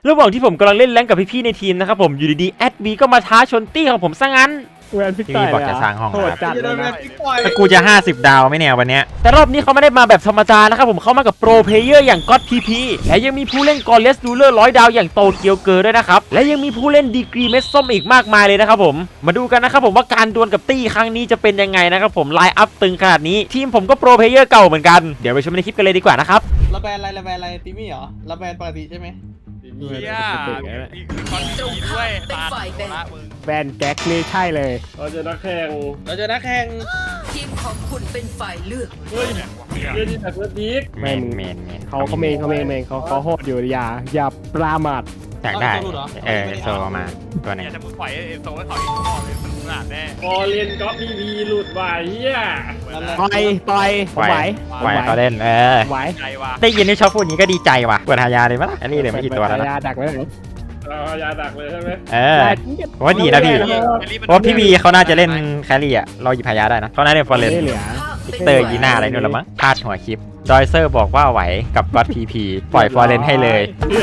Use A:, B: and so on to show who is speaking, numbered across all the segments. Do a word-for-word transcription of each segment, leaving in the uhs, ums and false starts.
A: ระหว่างที่ผมกำลังเล่นแรงกับพี่ๆในทีมนะครับผมอยู่ดีๆแอดบีก็มาท้าชนตี้ของผมซะงั้น
B: แวนพิก
A: พี่
B: ต่อย
A: บอกจะสร้างห้อง
B: โหด
A: ครับ
B: จัดเลยนะ
A: แต่กูจะห้าสิบดาวไหมเนี่ยวันเนี้ยแต่รอบนี้เขาไม่ได้มาแบบธรรมดานะครับผมเขามากับโปรเพลเยอร์อย่างก็อดพีพีและยังมีผู้เล่นกอร์เลสดูเลอร์ร้อยดาวอย่างโตเกียวเกอร์ด้วยนะครับและยังมีผู้เล่นดีกรีเม็ดส้มอีกมากมายเลยนะครับผมมาดูกันนะครับผมว่าการดวลกับตี้ครั้งนี้จะเป็นยังไงนะครับผมไลน์อัพตึงขนาดนี้ทีมผมก็โปรเพลเยอร์เก่าเหมือนกันเดี๋ยวไปชมในคลิปกันเลยดีกว่านะครับ
C: ระแบนอะไรระแบนอะไรติมี่เหรอระแบนปกติใช่ไหม
D: เฮียมีคอนดีด้วยตาละมึง
B: แวนแก๊กนี่ใช่เลย
E: เราจะนักแข่ง
C: เราจะนักแข่ง
F: ทีมของคุณเป็นฝ่ายเลือก
E: เฮ้ยเรื่องที่แต่เพื่อนพีก
A: เมนเมนเมน
B: เขาเขาเมนเขาเมนเมนเขาเขาโหดอยู่อย่าอย่าปรามาท
A: อยากได้เออโซมาตัวไหน
D: เนี่ยจะมึงปล่อยเอ็นโซให้เขาอีกข้อเลยมันขนาดแน่
E: พอเรียนก๊อปพีพีหลุดว่ะเฮีย
C: นั่นแหละ
B: ปล่อยปล่อย
A: ไหว
B: ไหว
A: ไหวเขาเล่นเออ
B: ไหว
D: ใจว่ะ
A: ได้ยินที่ชอบพูดนี้ก็ดีใจว่ะเปิดหายาเลยมั้ยอันนี้เลยไม่กี่ตัวแล้วนะ
B: ยาดักไว้เลย
E: เราเอายาดักเลยใช่ไหม
A: เออผมว่าดีนะพี่เพราะพี่บีเขาน่าจะเล่นแครี่อ่ะเราหยิบหายาได้นะเขาน่าจะเล่นฟอร์เรน
B: ไม่เหลือ
A: พิกเตอร์ยีน่าอะไรนู่นละมั้งพลาดหัวคลิปดอยเซอร์บอกว่าไหวกับก็อดพีพีปล่อยฟอร์เรนให้เลย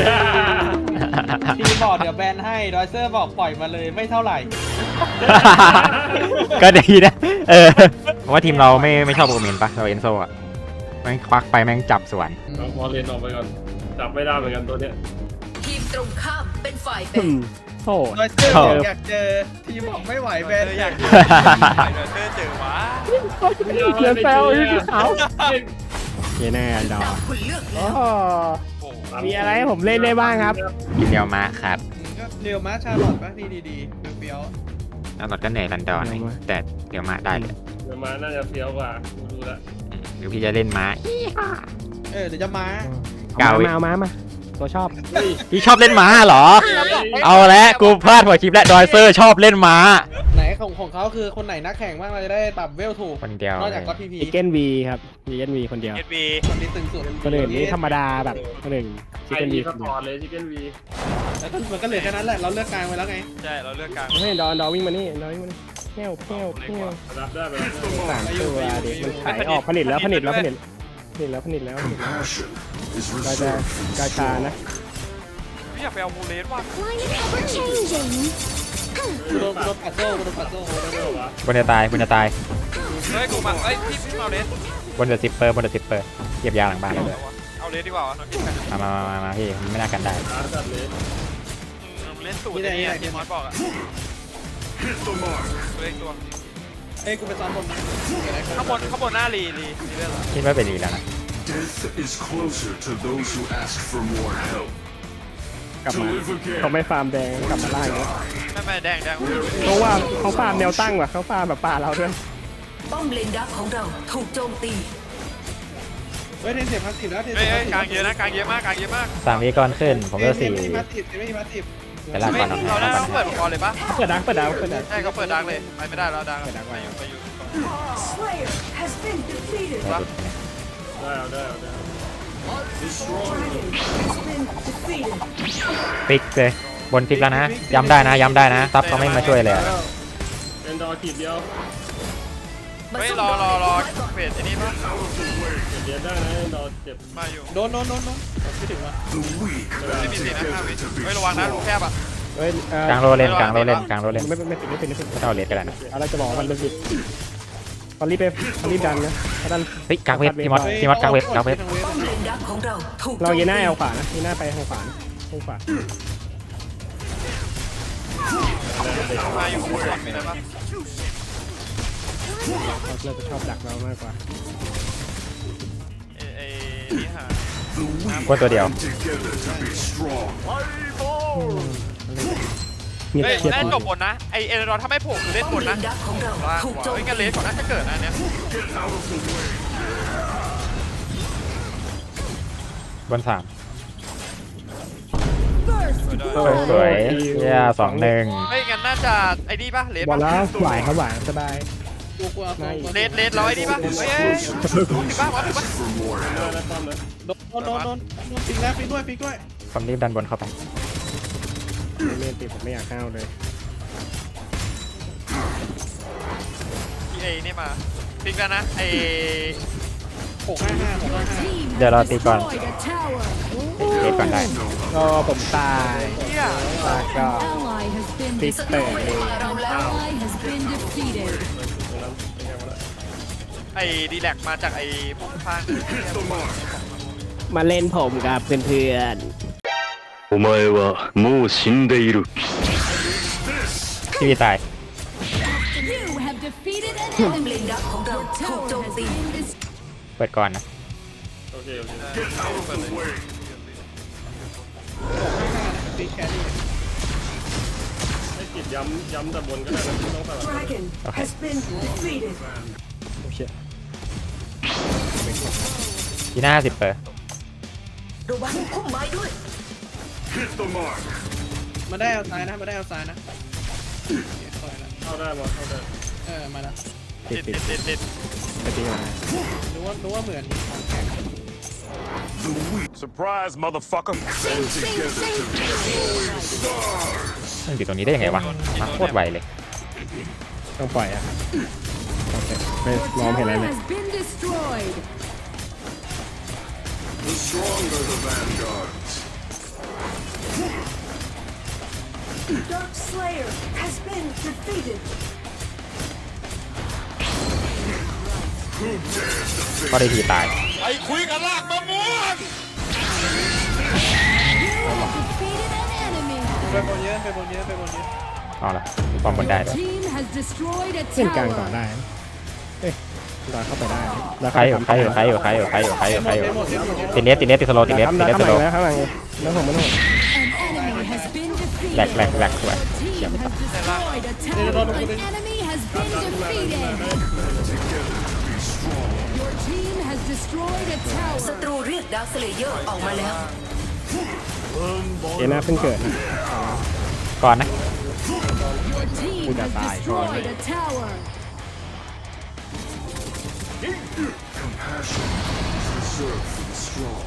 C: ทีมบอกเดี๋ยวแบนให้ดอยเซอร์บอกปล่อยมาเลยไม่เท่าไหร่
A: ก็ดีนะเออผมว่าทีมเราไม่ไม่ชอบโอเมนปะเราเอนโซอ่ะแม่งควักไปแม่งจับสวน
E: เราพอเรียนออกไปก่อนจับไม่ได้เหมือนกันตัวเนี้ย
F: ทีมตรงข้ามเป็นฝ่ายแบ่
B: อื
F: ง
B: มโหด
C: ดอยเซอร์บอกอยากเจอทีมบอกไม่ไหวแบน
D: อยากเจอเจอเจอวะ
B: เขียนแซวอีกเขาเขียนแน่ดอ
F: ตามคุณเลือกแล้
B: โอ้
F: ว
D: โอ้
B: มีอะไรให้ผมเล่นได้บ้างครับ
A: กินเดียวมาครับ
C: ก็เรียวมาชาลอตป่ะดีดีดีเฟี้ยว
A: แล้วเราก็เหนื่อยรันดอนแต่เดี๋ยวมาได้เลย
E: เดี๋ยวมาน่าจะเฟี้ยวกว่ากูดูละ
A: หรือพี่จะเล่นม้า
C: เออเดี๋ยวจะมา
A: เก่า
B: เอามาเอามามาตัวชอบ
E: เฮ้ย
A: พี่ชอบเล่นม้าเหรอ เอาละกูพลาดหัวคลิปและดอยเซอร์ชอบเล่นม้า
C: ไหนของของเขาคือคนไหนนักแข่งบ้างเราจะได้ปรับเวลถูก
A: คนเดียวน
C: อกจากก็พีพี
B: อีเกนวีครับอีเกนวีคนเดียว
D: เอ็ดบี
C: คนนี้ตึงสุด
B: คนอื่นนี่ธรรมดาแบบคนอื่นชิ
E: ไอ
B: เกน
E: ดี
B: วี
E: สปอร์ตเลยชิคเก้นวี
C: แล้วก็มันก็เหลือแค่นั้นแหละเราเลือกกลางไปแล้วไง
D: ใช่เราเลือกกลาง
B: เฮ้ยดอนดอนวิ่งมานี่ดอนวิ่งมานี่เที่ยวเที่ยวเที่ยว
E: รับได้ไปแล้ว
B: สามตัวเด็กมันขายออกผลิตแล้วผลิตแล้วผลิตผลิตแล้วผลิตแล้วผลิตแล้วเราจะกาชานะ
D: ไม่อยากไปเอามูเลสว่ะ
C: กูโดนกูโดนปัดโซ่กูโดนปัดโซ่
A: บนจะตายบนจะตาย
D: เฮ้ยกูมาเอ้ยพี่พี่เอาเลส
A: บนจะซิปเปอร์บนจะซิปเปอร์เก็บยาหลังบ้านเลย
D: เอาเลสดีกว่าวะน้องกิ๊ก
A: มามามามาพี่มันไม่น่ากันได้
E: ร้านจัดเลย
D: เล่นสูตรนี่ที่มอสบอกอะเล่นตัว
C: เอ้ยกูไปซ้อมบน
D: ข้างบนข้างบนหน้าลีลีลีเล่นเหรอ
A: คิดว่าเป็นดีแล้วนะ
G: Death is closer to those who ask for more help.
B: กลับ
G: To
B: มา
G: live
B: เขา
G: again
B: ไม่ฟาร์มแดงกลับมาล่างแล้ว
D: ไม่ไม่แดงแดง
B: เพราะว่าเขาฟาร์มแนวตั้งว่ะเขาฟาร์มแบบป่าเราด้วย
F: ป้อมเลนดักของเราถูกโจมตี
C: เฮ้ยเทนเสียพาสซีฟแล้วเทน
D: เฮ้
C: เสี
D: ย
C: ย
D: กลางเยอะนะกลางเยอะมากกลางเยอะมาก
A: สามวิก่อนขึ้นผมก็สี่
C: ไม่มีพาสซีฟไม่มีพาสซีฟ
A: ไปล่าง
D: ไม่
A: ก่อนเนาะ
D: เราได้ต้องเปิดมังกรเลยปะ
B: เปิดดังเปิดดังเปิดดัง
D: ใช่เขาเปิดดังเลยไปไม่ได้แล้วดังไปอยู่ไปอยู่
E: ได้เอาได้เอาได้
A: ฟิกเลยบนฟิกแล้วนะย้ำได้นะย้ำได้นะซับเขาไม่มาช่วยเลยอะ
E: เอ็นดอร์ขีดเดียว
D: ไม่รอรอรอเฟดไอ้นี่ปะ
E: เดียวได้นะเอ็นดอร์เจ็บ
D: มาอยู่
C: โดนโดนโดนโดนไม่ถึงว่ะ
G: The weak
D: ไม่มีสีนะห้าวิเฮ้ยระวังนะรูแคบอ่ะ
B: เฮ้ยเอ่อก
A: ลางโรเล่นกลางโรเล่นกลางโรเล่น
B: ไม่ไม่ไม่ปิดไม่ปิดไม่ปิด
A: ไม่ต้องเอาเลสก็ได้นะ
B: อะไรจะบอกว่ามันเป็นปิดตอนรีบไปตอนรีบดันนะถ้าดัน
A: เฮ้ยกลางเว็บพี่มอสพี่มอสกลางเว็บกลางเว็บ
F: ป้อมเลนดักของเราถูก
B: เราเยน่าเอาขวานะเยน่าไปทางขวานะทางขวา
D: มาอยู่บนมีอะไรปะ
B: เราจะชอบดักเรามากกว่า
D: เอ้ไอ้นี่หา
G: The weak
A: กวนตัวเดียว
G: come together to be strong.
B: เงียบ
D: เฮ้ย
B: เชียด
D: เล่นจบบนนะไอเอเดรอนถ้าไม่โผล่คือเล่น
F: ป้อม
D: บน
F: เล
D: นะ
F: นดักของเรา
D: ล่าง
F: ถูกโจม
D: เฮ้ย
F: ตี
D: กันเลสก่อนน่าจะเกิดนะเนี่ย
A: บนสามสวยเย่สองหนึ่ง
D: เฮ้ยงั้นน่าจะไอ้นี่ปะเลส
B: บอล
D: ปะ
B: แล้วไหวครับไหวสบาย
C: กูกูเอาตัว
D: เลสเลสร้อยนี่ปะเฮ้ยเฮ้ยถึงปะวะถึงปะ
G: For more
E: ได้
G: help.
E: แล้วป้อมนะ
C: โดนโดนโดนโดนโดนฟิกแล้วฟิกด้วยฟิกด้วย
A: ผมรีบดันบนเข้าไป
B: ไม่ติดผมไม่อยากเข้าเลย
D: ไอ้นี่มาฟิกแล้วนะไอ้
C: หกห้าห้าหกห้าห้า
A: เดี๋ยวเราตีก่อนเทสก่อนได้
B: ก็ผมตายตายก็ติสเตอร์เลย
D: ไอ้ดีแลกมาจากไอ้พวกข้าง
B: มาเล่นผมกับเพื่อน
H: お前はもう死んでいる。
A: พี่วีตาย
F: ป้อมเลนดักของเราถูกโจมตี
A: เปิดก่อนนะ
E: โอเคโอเค
C: ตีแครี่
E: ให้กิดย้ำย้ำแต่บนก็ได้นะไม่ต้องสลับ
A: โอเค
B: ๆโอเค
A: ทีหน้าสิบเปอร์
F: ระวังพุ่มไม้ด้วย
G: Hit the mark.
C: มาได้เอาซ้ายนะมาได้เอาซ้ายนะคอยละ
E: เข้าได้บอลเข้าได้
C: เออมาแล้ว
B: ติ
D: ติ
B: ด
D: ด
B: ติ
D: ติ
B: ด
D: ดติดติด
B: ไปจริงเหรอ
C: รู้ว่ารู้ว่าเหมือนของแข็ง
G: The weak
I: Surprise, motherfucker.
G: band together to destroy stars.
A: มันอยู่ตรงนี้ได้ยังไงวะมาโคตรไวเลย
B: ต้องปล่อยอ่ะโอเคไม่มองไม่เห็นอะไรเลย
G: The stronger the vanguards.
F: Dark Slayer has been defeated
A: ก็ได้ทีตาย
I: ไปคุยกันลากมะม่วง
C: ไปบนเยอะไปบนเยอะไปบนเยอะ
A: เอาละป้อมบนได้ด้วย
B: เล่นกลางต่อได้นะเอ้ยดอยเข้าไปได้แล้ว
A: ใครอยู่ใครอยู่ใครอยู่ใครอยู่ใครอยู่ใครอยู่ใครอยู่
C: หมดหมดหมด
A: ติดเนสติดเนสติดสโลติดเนสติดเนส
B: ข้าง
A: ส
B: หลั
A: โล
B: งแล้วข้างหลังแล้วผมไม่ต้อง
A: แหลกแหลกแหลกสวย
C: เดี๋ยวเราดูดิ
F: ศัตรูเรียกดาร์คสเลเยอร์ออกมาแล้ว
B: เอน่าเพิ่งเกิดนะ
A: ก่อนนะ
B: กูจะตายก่อน
G: Compassion is reserved for the strong.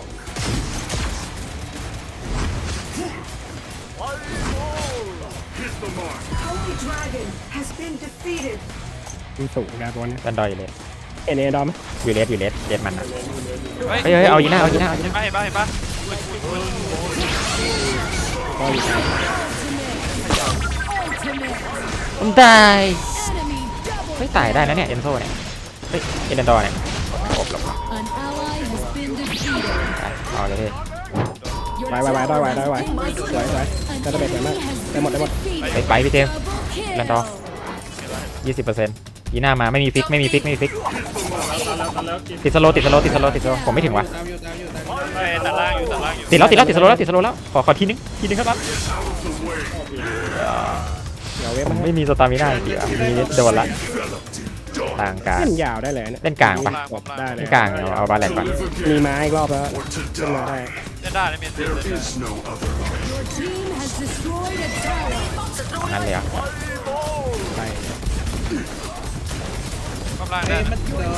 G: Hit the mark.
F: Holy Dragon has been defeated
B: มันสูงนะตัวนี้
A: ดันดอยอยู่เลย
B: เอ็นเอดอมไหม
A: อยู่เลสอยู่เลสเลสมันนะ
D: เฮ้ย
A: เฮ้ยเฮ้ยเอายีน่าเอายีน่าเอายี
D: เห็น
A: น่า
D: ปะเห็นปะเห็นปะ
B: ก็อยู่กลาง
A: ผมตายเฮ้ยตายได้นะเนี่ยเอนโซเนี่ยเฮ้ยเอเดนดอร์เนี่ยโอบหลบไปเอาเลยพี่
B: ไว้ไว้ไว้ได้ไว้ได้ไว้สวยสวยจะระเบิดสวยมากได้หมดได้หมด
A: ไปไปพี่เจมส์เอเดนดอร์ยี่สิบเปอร์เซ็นต์ยีน่ามาไม่มีฟิกไม่มีฟิกไม่มีฟิก
E: ตอนแล้วตอนแล้วกิน
A: ติดสโลติดสโลติดสโลติดสโลผมไม่ถึงวะ
C: ตามอยู่ตามอยู่ตามอยู่
D: เฮ้ยตัดล่างอยู่ตัดล่างอยู่
A: ติดแล้วติดแล้วติดสโลแล้วติดสโลแล้วขอขอทีนึงทีนึงครับ
B: เดี๋ยวเว็บ
A: ผม
B: มาให้
A: ไม่มีสตามิน่าจริงๆอ่ะมีโดนละทางการ
B: เล่นยาวได้เลยเนี่ย
A: เล่นกลางปะ
B: ได้เล
A: เล่
B: ย
A: นกลางเอาเอาบาแลนก่อน
B: มีไม้อีกรอบแล้ว
G: Or to
B: ขึ้นมาได้
G: die.
D: เล่นได้เลยเมียนเล่น
G: There
D: ได้
G: is no other option.
A: นั่นเลยอ่ะ
B: ไป
D: กำลัง
C: เอ้
D: ได้
C: ยมันเดี๋ยว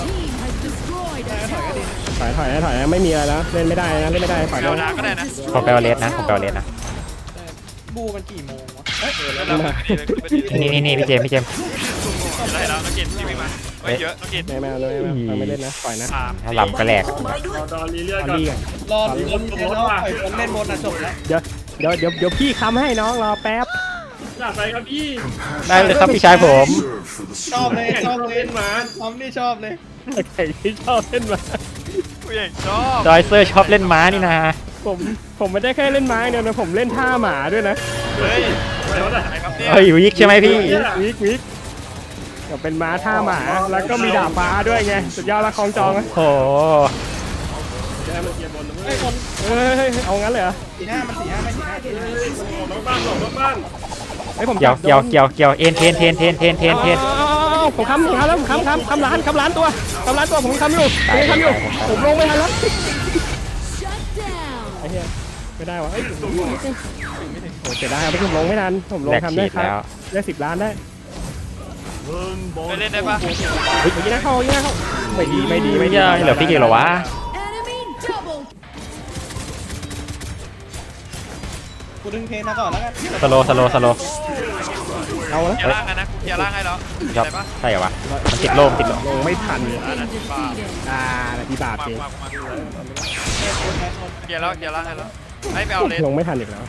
C: ถอยก็ดีนะ
B: ถอยถอยนะถอยนะไม่มีอะไรแล้วเล่นไม่ได้นะเล่นไม่ได้ถอย
D: เดี๋ยว
B: ได้
D: ดาก็ได้นะ
A: ผมไปเอาเลสนะผมไปเอาเลสนะ
C: บูมันกี่โมงวะ
D: เล่นแล้วดีเลยไปดีเลย
A: นี่นี่นี่พี่เจมส์พี่เจมส์
D: เห็นแล้วเห็นแล้วน้องกินที่วิ่งมาเฮ้ยเยอะน้องกิน
B: ไม่ไม่เอาเลยไม่เอาไม่เล่นนะปล่อยนะ
D: สาม
A: ถ้าลำก็แหลก
F: พุ่มไม้ด้วย
E: รอดอนรีเลีย
B: ตอน
E: ก่อน
B: นี้กัน
C: รอดูบนเล่นแล้วปล่อยบนเล่นบนอ่ะจบแล้ว
B: เดี๋ยวเดี๋ยวเดี๋ยวเดี๋ยวพี่ค้ำให้น้องรอแป๊บ
E: อยากไปครับพี่
A: ได้เลยครับพี่ชายผม
G: Reserved for the
C: ชอบ
G: strong.
C: เลยชอบเลยหมาทอมนี่ชอบเลย
B: ใครที่ชอบเล่นมา
D: ผู้ใหญ่ชอบ
A: จอยเซอร์ชอบเล่นม้านี่นะ
B: ผมผมไม่ได้แค่เล่นไม้เดียวนะผมเล่นท่าหมาด้วยนะ
D: เฮ้ยอะไรครับเนี่ย
A: เฮ้ยวิกใช่ไหมพี่
B: วิกวิกก็เป็นม้าท่าหมาแล้วก็มีดาบฟ้าด้วยไงสุดยอดละคลองจองนะ
A: โอ้โห
E: จะให้มันเกียร์บนนะเว้
C: ไอ้
E: ย
C: คน
B: เฮ้ยเฮ้ยเฮ้ยเอางั้นเลยเหรอ
C: สี่ห้ามันสี่ห้าไม่สี่ห้า
E: หลบนอกบ้านหลบนอกบ้าน
B: เฮ้ยผม
A: เกี่ยวเกี่ยวเกี่ยวเกี่ยวเอ็นเทนเทนเทนเทนเทนเทน
B: เอาผมค้ำผมค้ำแล้วผมค้ำค้ำค้ำล้านค้ำล้านตัวค้ำล้านตัวผมค้ำอยู่ผมค้ำอยู่ผมลงไม่ทันแล้วไอ้เหี้ยไม่ได้วะเอ้ยผมโอ้เสียดายครับผมลงไม่ทันผมลง
A: แหลก
B: ทำ
A: ขี
B: ได้
A: ด
B: ครับ
A: แล้ว
B: ได้สิบล้านได้
D: ไปเล่นได้ปะ
B: เฮ้ยยิงนะเข้ายิงนะเข้าไม่ดีไม่ดีไม่ดี
A: เหลือพี่กี่เหรอวะ
C: กูดึงเพลงมาก่อนแล้วกัน
A: สโลสโลสโล
B: เอาละ
D: เคลียร์ล่างกันนะกูเคลียร์ล่างให้แล้ว
A: ครับ
D: ได้ปะ
A: ใช่เหรอวะมันติดโลมติดโลม
B: ลงไม่ทันเลย
D: อ่านาทีบ้า
B: อ่านาทีบาป
D: มา
B: เอง
D: มามาเคลียร์แล้วเคลียร์ล่างให้แล้วให้ไปเอาเลน
B: ลงไม่ทันอีกแล้ว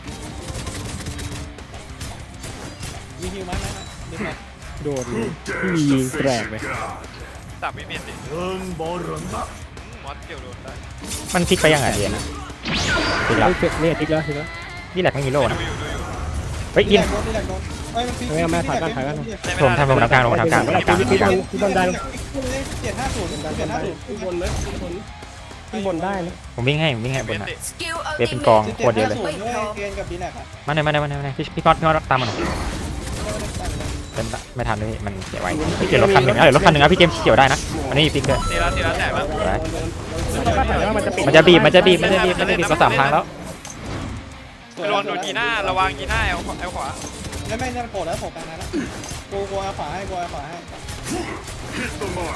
C: มีฮิวไหมไหมไหมมีไหม
B: โดนที่ยิงแกรกเลย
D: ตับไม่มีสิมอสเกี่ยวโดนได้
A: มันพลิกไปยังไงเดียนะพลิกแล้ว
B: เฮ้ยเนี่ยทิกแล้วทิกแล้ว
A: นี่แหละไม่มีโล
D: ดู
A: นะ
D: อยู่ดูอยู่
A: เฮ้ยอิน
C: โดนนี่แหละโดนเอ้ยมันฟิก
B: ไม่เอาแม่ถ่ายบ้านถ่ายบ้าน
A: ผมทำผมทำกลางผมทำกลางผมทำกลาง
B: ที่บนที่บนได้
C: เจ็ดห้าศูนย์เจ็ดห้าศูนย์
E: ขึ้นบนเลยขึ้นบน
B: ที่บนได้นะ
A: ผมวิ่งให้ผมวิ่งให้บนน่ะ
F: สกิลอัล
A: เว็บ
F: ติ
A: เป็น
F: เม
A: กอง
F: ท
A: โคตรเยอะเลย
C: ศูนย์ด้วยเกณฑ์กับดีแลกอะ
A: มาหน่อยมาหน่อยมาหน่อยมาหน่อยพี่พี่ก๊อตพี่ก๊อตตามมาหน่อยเป็นไม่ทันเลยพี่มันเสียไว้พี่เกี่ยวรถคันหนึ่งอ่ะเดี๋ยวรถคันหนึ่งอ่ะพี่เกมเกี่ยวได้นะมันไม่มีพลิกด้วย
D: ตีแล้วตีแล้วแตกแล้ว
A: ไว้
B: แต่ว่ามันจะปิด
A: มันจะบีบมันจะบีบมันจะบีบมันจะบีบมาสามครั้งแล้ว
D: ระวังโดนยีน่าระวังยีน่าเอาเอาขวา
C: ไม่ไม่เนี่ยมันโผล่แล้วโผล่กลางนั้นแล้วกูกูเอาขวาให้กูเอาขวาให้
G: Hit the mark.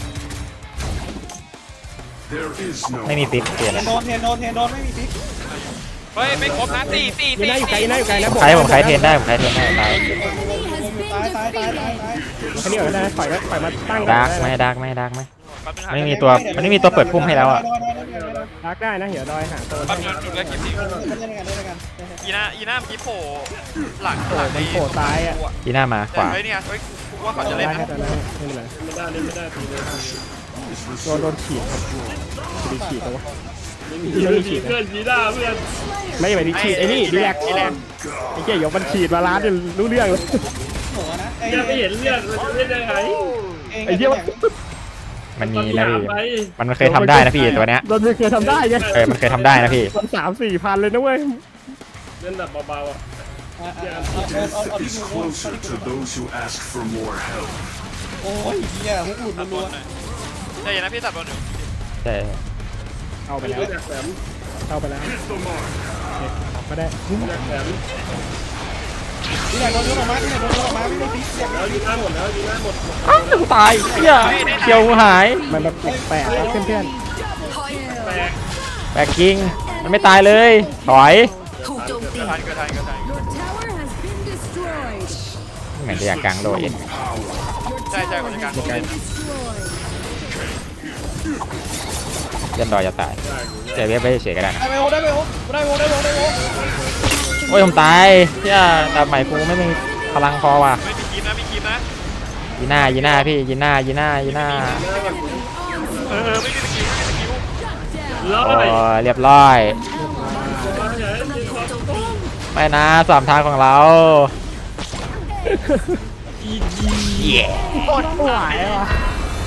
G: There is no
A: ไม่มีพลิกเปลี่ยน
C: เท
A: แล้
C: น
A: ว
C: โดนเทนโดนเทนโดนไม่มีฟิก
D: เฮ้ยไม่ครบนะตีตี
B: ยี
D: ตี
B: น่าอยู่ไกลยีน่าอยู่ไกลนะ
A: ใครผมใครเทรนได้ผมใครเทรนได้ตาย
C: ตายตายตายตายตาย
B: แค่นี้ก็ได้ปล่อยแล้วปล่อยมาตั้ง
A: ดาร์กไหมดาร์กไหมดาร์กไหมมันไม่มีตัวมันไม่มีตัวเปิดพุ่มให้แล้วอ่ะ
B: ดักได้นะเดี๋ยวดอยหาตัว
D: ปั๊บเงินจุดแล้วคลิปนี้
C: เล่นกันเล่นกัน
D: ยีน่ายีน่าเมื่อกี้โผล่หลัง
B: โผล่มันโผล่ซ้ายอ่ะ
A: ทีหน้ามาขวา
D: เฮ้ยเนี่ยเฮ้ยกูว่าเขาจะ
B: ได้
D: เล่น
B: แค่
D: นะ
B: ตอนนั้นไม่เป็นไร
E: ไม่ได้เล่นไม่ได้ตีเลย
B: โดนโดนฉีดครับดีฉีดตัว
E: ไม่มีเพื่อนยีด้าเพื่อน
B: ไม่ไปดีฉีดไอ้นี่ดีแลก
D: ดีแลก
B: ไอ้เกี่ยยกมันฉีดมาล้านจะรู้เรื่องเลย
C: หัวนะ
E: แกไม่เห็นเลือดมันจะเล่นได้ไง
B: ไอ้เหี้ย
A: มันมีนะพี่มันเคยทำได้นะพี่ตัวเนี้ย
B: โดนเคยทำได้ไง
A: เออมันเคยทำได้นะพี่
B: มันสามสี่พันเลยนะเว้ย
E: เล่นแบบเบาๆอ่ะ
C: เอาเอาที่
G: is
C: กู
G: closer to those who ask for more help.
C: โอ้ยเหี้ยฮุกหลุด
D: ตัดบ
C: รั
D: อ
C: ว
D: ลหน่อยใจเย็นนะพี่ตัดบอลหนึ่ง
A: ใช่
B: เอาไปแล้ว
E: อยากแถม
B: เอาไปแล้ว
G: Hit the mark.
B: ก็ได้
E: อยากแถม
C: ที่ไหนโดนยกออกมาที่ไหนโดนยกออกมาไม่ได้ฟิก
E: แล้วยีด้าหมดแล้วยีด้าหมด
A: อ้าวตายเฮียเกียวหาย
B: มันแบบแปลกๆแล้วเพื่อน
E: แตก
A: แบกกิ้งมันไม่ตายเลยถอย
F: ถูกโจมตี
D: เกิดทันเกิดทันเกิดทัน
A: เหมือนจะอยากกลางโลเอ็น
D: ใช่ใช่คนจัดการผมเป็น
A: ยันดอยจะตายเจเว็บไปเฉยๆก็ได้นะ
C: ได้ไปโอ้ได้ไปโอ้ได้โอ้ได้โอ้ได้โอ้
A: โอ้ยผมตายเฮียดาบใหม่กูไม่มีพลังพอว่ะ
D: ไม่มีคลิปนะมีคลิปนะ
A: ยีน่ายีน่าพี่ยีน่ายีน่ายีน่า
D: เออเออไม่มีสกิลไม่มีสกิล
E: ร้อ
A: โอ้
E: ย
A: ยเรียบร้อย
F: โจมตี
A: ไม่นะสามทางของเราเย้
B: ๆโคตรหวายว่ะ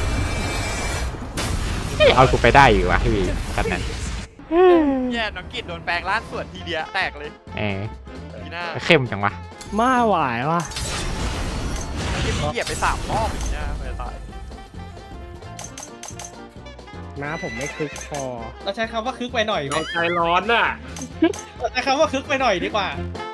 A: เอากูไปได้อยู่วะพี่กันนั้น
D: แย่น้องกิดโดนแปลงร่างส่วนทีเดียวแตกเลย
A: เออ
D: ยีน่า
A: เข้มจังวะ
B: มาหวายว่ะ
D: ที่เหยียบไปสามรอบยีน่าไม่ตาย
B: น้าผมไม่คึกพอ
C: เราใช้คำว่าคึกไปหน่อยไหม
E: เราใจร้อนน่ะ
C: เราใช้คำว่าคึกไปหน่อยดีกว่า
D: เ